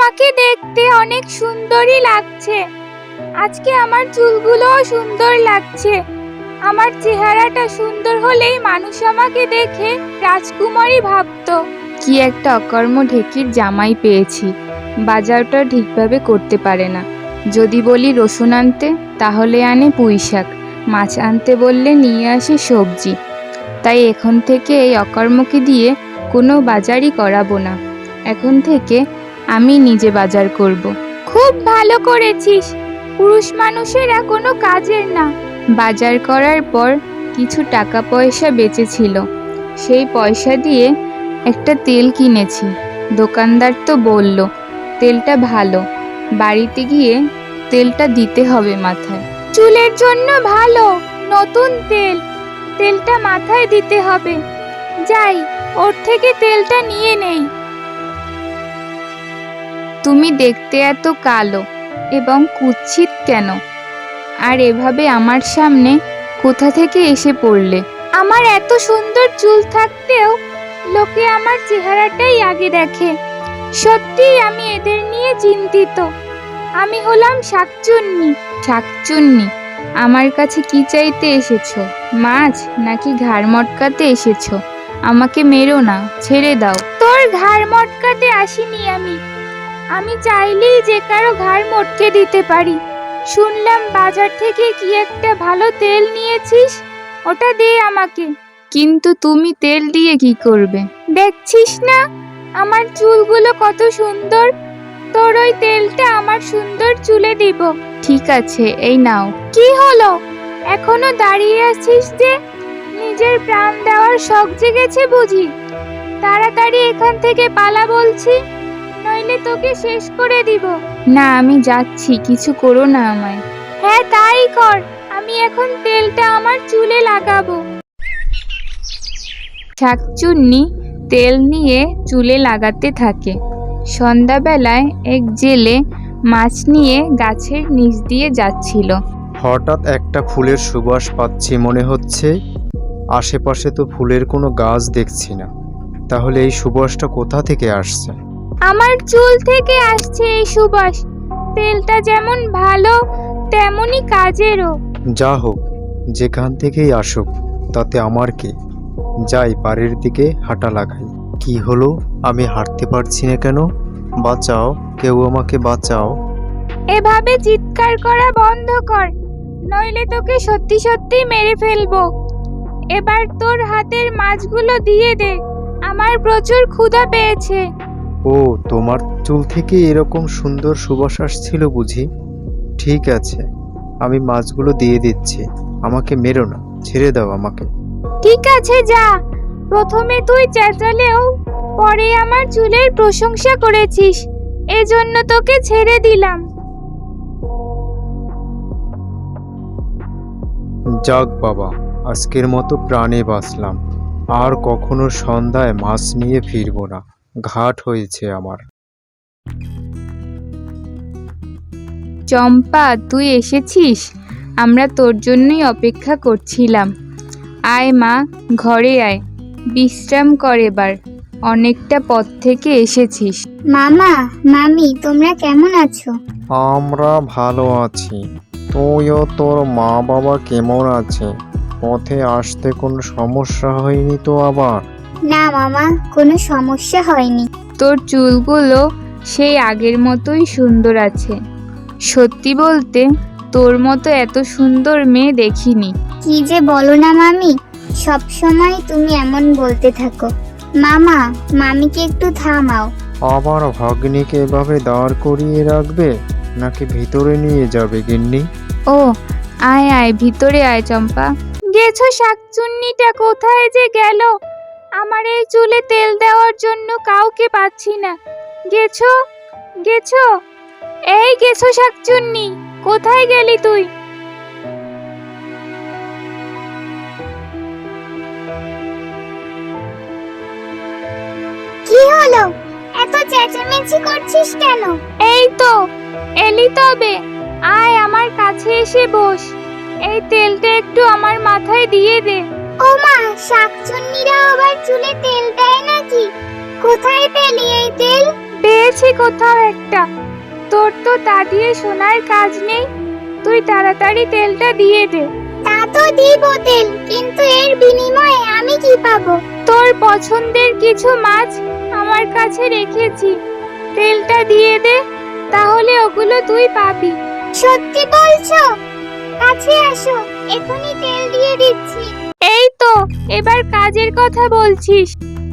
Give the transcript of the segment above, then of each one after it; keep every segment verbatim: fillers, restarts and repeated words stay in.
আমাকে দেখতে অনেক সুন্দরই লাগছে। আজকে আমার চুলগুলোও সুন্দর লাগছে। আমার চেহারাটা সুন্দর হলেই মানুষ আমাকে দেখে রাজকুমারী ভাবতো। কি একটা অকর্ম ঢেকির জামাই পেয়েছি, বাজারটা ঠিকভাবে করতে পারে না। যদি বলি রসুন আনতে তাহলে আনে পুঁই শাক, মাছ আনতে বললে নিয়ে আসে সবজি। তাই এখন থেকে এই অকর্মকে দিয়ে কোনো বাজারই করাবো না। এখন থেকে আমি নিজে বাজার করব। খুব ভালো করেছিস, পুরুষ মানুষেরা কোনো কাজের না। বাজার করার পর কিছু টাকা পয়সা বেঁচেছিল, সেই পয়সা দিয়ে একটা তেল কিনেছি। দোকানদার তো বলল তেলটা ভালো, বাড়িতে গিয়ে তেলটা দিতে হবে মাথায়। চুলের জন্য ভালো, নতুন তেল, তেলটা মাথায় দিতে হবে। যাই, ওর থেকে তেলটা নিয়ে নেই। তুমি দেখতে এত কালো এবং কুৎসিত কেন? আর এভাবে আমার সামনে কোথা থেকে এসে পড়লে? আমার এত সুন্দর চুল থাকতেও লোকে আমার চেহারাটাই আগে দেখে। সত্যিই আমি এদের নিয়ে চিন্তিত। আমি হলাম শাকচুন্নি। শাকচুন্নি? আমার কাছে কি চাইতে এসেছো? মাছ নাকি ঘাড় মটকাতে এসেছো? আমাকে মেরো না, ছেড়ে দাও। তোর ঘাড় মটকাতে আসিনি আমি। আমি চাইলেই যে কারো ঘাড় মটকে দিতে পারি। শুনলাম বাজার থেকে কি একটা ভালো তেল নিয়েছিস, ওটা দে আমাকে। কিন্তু তুমি তেল দিয়ে কি করবে? দেখছিস না আমার চুলগুলো কত সুন্দর, তোর ওই তেলটা আমার সুন্দর চুলে দিব। ঠিক আছে, এই নাও। কি হলো, এখনো দাঁড়িয়ে আছিস যে? নিজের প্রাণ দেওয়ার শখ জেগেছে বুঝি? তাড়াতাড়ি এখান থেকে পালা বলছি, নইলে তোকে শেষ করে দিব। না, আমি যাচ্ছি, কিছু করো না আমায়। হ্যাঁ তাই কর, আমি এখন তেলটা আমার চুলে লাগাবো। শাকচুন্নি তেল নিয়ে চুলে লাগাতে থাকে। সন্ধ্যাবেলায় এক জেলে মাছ নিয়ে গাছের নিচ দিয়ে যাচ্ছিল। হঠাৎ একটা ফুলের সুবাস পাচ্ছি মনে হচ্ছে। আশেপাশে তো ফুলের কোনো গাছ দেখছি না, তাহলে এই সুবাসটা কোথা থেকে আসছে? আমার চুল থেকে আসছে এই সুবাস। তেলটা যেমন ভালো তেমনই কাজেরও। যা হোক, যেখান থেকেই আসুক তাতে আমার কি। যাই, বাড়ির দিকে হাঁটা লাগাই। কি হলো, আমি হাঁটতে পারছি না কেন? বাঁচাও, কেউ আমাকে বাঁচাও। এভাবে চিৎকার করা বন্ধ কর, নইলে তোকে সত্যি সত্যি মেরে ফেলবো। এবার তোর হাতের মাছগুলো দিয়ে দে, আমার প্রচুর ক্ষুধা পেয়েছে। ও, তোমার চুল থেকে এরকম সুন্দর সুবাস আসছিল বুঝি? ঠিক আছে, আমি মাছগুলো দিয়ে দিচ্ছি। আমাকে মেরো না, ছেড়ে দাও আমাকে। ঠিক আছে যা। প্রথমে তুই চেঁচালেও পরে আমার চুলের প্রশংসা করেছিস, এজন্য তোকে ছেড়ে দিলাম। যাক বাবা, আজকের মতো প্রাণে বাঁচলাম। আর কখনো সন্ধ্যায় মাছ নিয়ে ফিরবো না, ঘাট হয়েছে আমার। চম্পা, তুই এসেছিস? আমরা তোর জন্যই অপেক্ষা করছিলাম। আয় মা, ঘরে আয়, বিশ্রাম কর এবার। অনেকটা পথ থেকে এসেছিস। মামা, মামি, তোমরা কেমন আছো? আমরা ভালো আছি। তুইও তোর মা বাবা কেমন আছে? পথে আসতে কোনো সমস্যা হয়নি তো আবার? না মামা, কোনো সমস্যা হয়নি। তোর চুলগুলো সেই আগের মতোই সুন্দর আছে। সত্যি বলতে তোর মতো এত সুন্দর মেয়ে দেখিনি। কি যে বলো না মামি, সব সময় তুমি এমন বলতে থাকো। মামা, মামিকে একটু থামাও। আবার ভাগ্নিকে এভাবে দাঁড় করিয়ে রাখবে নাকি ভিতরে নিয়ে যাবে গিন্নি? ও, আয় আয়, ভিতরে আয় চম্পা। গেছো, শাকচুন্নিটা কোথায় যে গেল? আমার এই চুলে তেল দেওয়ার জন্য কাউকে পাচ্ছি না। গেছো, গেছো, এই গেছো শাকচুন্নি, কোথায় গেলি তুই? কি হলো, এত চেঁচামেচি করছিস কেন? এই তো এলি, তবে আয় আমার কাছে এসে বস। এই তেলটা একটু আমার মাথায় দিয়ে দে। ও মা, শাকচুন্নিরা আবার চুলে তেল দেয় নাকি? কোথায় পেলি এই তেল? বেশ দেখেছি কোথাও একটা। তোর তো তা দিয়ে সোনার কাজ নেই, তুই তাড়াতাড়ি তেলটা দিয়ে দে। তা তো দিব তেল, কিন্তু এর বিনিময়ে আমি কি পাবো? তোর পছন্দের কিছু মাছ আমার কাছে রেখেছি, তেলটা দিয়ে দে, তাহলে ওগুলো তুই পাবি। সত্যি বলছো? কাছে আসো, এখনই তেল দিয়ে দিচ্ছি। এই তো, এবার কাজের কথা বলছিস।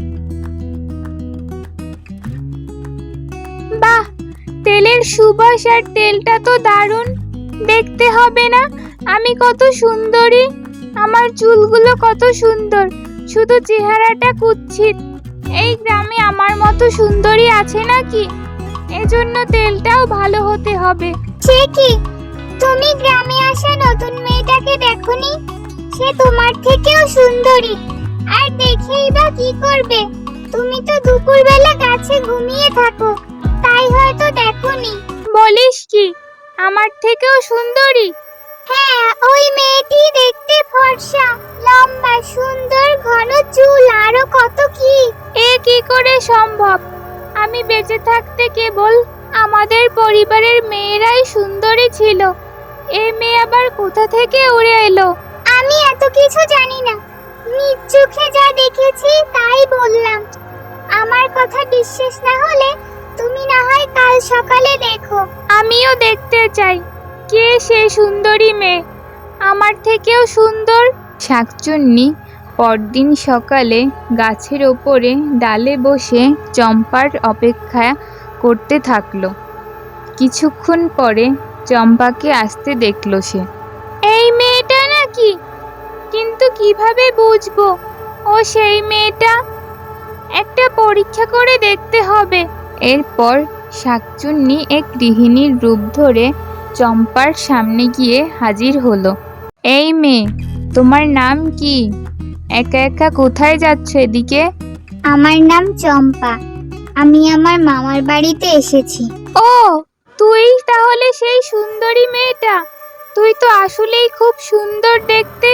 বাহ, তেলের সুবাস আর তেলটা তো দারুণ। দেখতে হবে না আমি কত সুন্দরী, আমার চুলগুলো কত সুন্দর, শুধু চেহারাটা কুৎসিত। এই গ্রামে আমার মতো সুন্দরী আছে নাকি? এজন্য তেলটাও ভালো হতে হবে। সে কি, তুমি গ্রামে আসা নতুন মেয়েটাকে দেখোনি? সে তোমার থেকেও সুন্দরী। আর দেখেই বা কি করবে? তুমি তো দুপুরবেলা গাছে ঘুমিয়ে থাকো, তাই হয়তো দেখোনি। বলিস কি, আমার থেকেও সুন্দরী? হ্যাঁ, ওই মেয়েটি দেখতে ফর্সা, লম্বা, সুন্দর, ঘন চুল, আরো কত কি। এ কি করে সম্ভব? আমি বেঁচে থাকতে কেবল আমাদের পরিবারের মেয়েরাই সুন্দরী ছিল, এ মেয়ে আবার কোথা থেকে উড়ে এলো? আমি এত কিছু জানি না, নিজ চোখে যা দেখেছি তাই বললাম। আমার কথা বিশ্বাস না হলে তুমি না হয় কাল সকালে দেখো। আমিও দেখতে চাই কে সে সুন্দরী মেয়ে, আমার থেকেও সুন্দর। শাকচুন্নি পরদিন সকালে গাছের ওপরে ডালে বসে চম্পার অপেক্ষা করতে থাকলো। কিছুক্ষণ পরে চম্পাকে আসতে দেখলো সে। এই মেয়েটা নাকি? কিন্তু কিভাবে বুঝবো ও সেই মেয়েটা? একটা পরীক্ষা করে দেখতে হবে। এরপর শাকচুন্নি এক গৃহিণীর রূপ ধরে চম্পার সামনে গিয়ে হাজির হলো। এই মেয়ে, তোমার নাম কি? একা একা কোথায় যাচ্ছ এদিকে? আমার নাম চম্পা, আমি আমার মামার বাড়িতে এসেছি। ও, তুই তাহলে সেই সুন্দরী মেয়েটা? তুই তো আসলেই খুব সুন্দর দেখতে।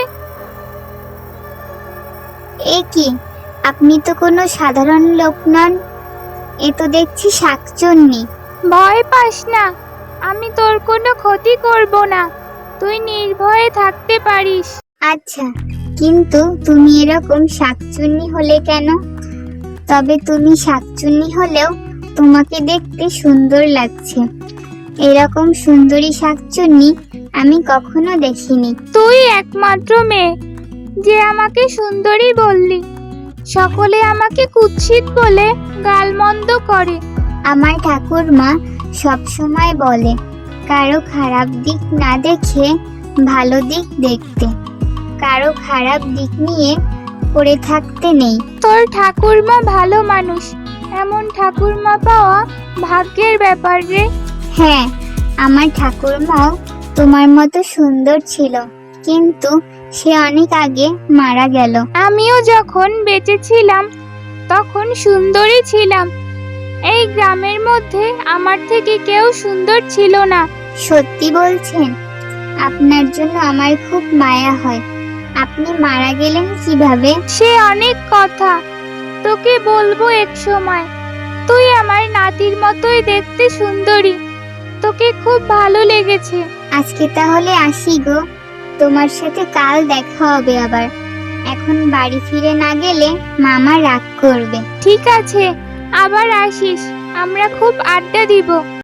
এ কি, আপনি তো কোনো সাধারণ লোক নন, এ তো দেখছি শাকচুন্নি। ভয় পাস না, আমি তোর কোনো ক্ষতি করব না, তুই নির্ভয়ে থাকতে পারিস। আচ্ছা, কিন্তু তুমি এরকম শাকচুন্নি হলে কেন? তবে তুমি শাকচুন্নি হলেও তোমাকে দেখতে সুন্দর লাগছে। এরকম সুন্দরী শাকচুন্নি আমি কখনো দেখিনি। তুই একমাত্র মেয়ে যে আমাকে সুন্দরী বললি, সকলে আমাকে কুৎসিত বলে গালমন্দ করে। আমার ঠাকুরমা সব সময় বলে, কারো খারাপ দিক না দেখে ভালো দিক দেখতে, কারো খারাপ দিক নিয়ে পড়ে থাকতে নেই। তোর ঠাকুরমা ভালো মানুষ, এমন ঠাকুরমা পাওয়া ভাগ্যের ব্যাপার রে। হ্যাঁ, আমার ঠাকুরমাও তোমার মতো সুন্দর ছিল, কিন্তু সে অনেক আগে মারা গেল। আমিও যখন বেঁচে ছিলাম তখন সুন্দরী ছিলাম। এই গ্রামের মধ্যে আমার থেকে কেউ সুন্দর ছিল না। সত্যি বলছেন? আপনার জন্য আমার খুব মায়া হয়। আপনি মারা গেলেন কিভাবে? সে অনেক কথা, তোকে বলবো এক সময়। তুই আমার নাতির মতোই দেখতে সুন্দরী, তোকে খুব ভালো লেগেছে। আজকে তাহলে আসি গো, তোমার সাথে কাল দেখা হবে আবার। এখন বাড়ি ফিরে না গেলে মামা রাগ করবে। ঠিক আছে, আবার আসিস, আমরা খুব আড্ডা দিব।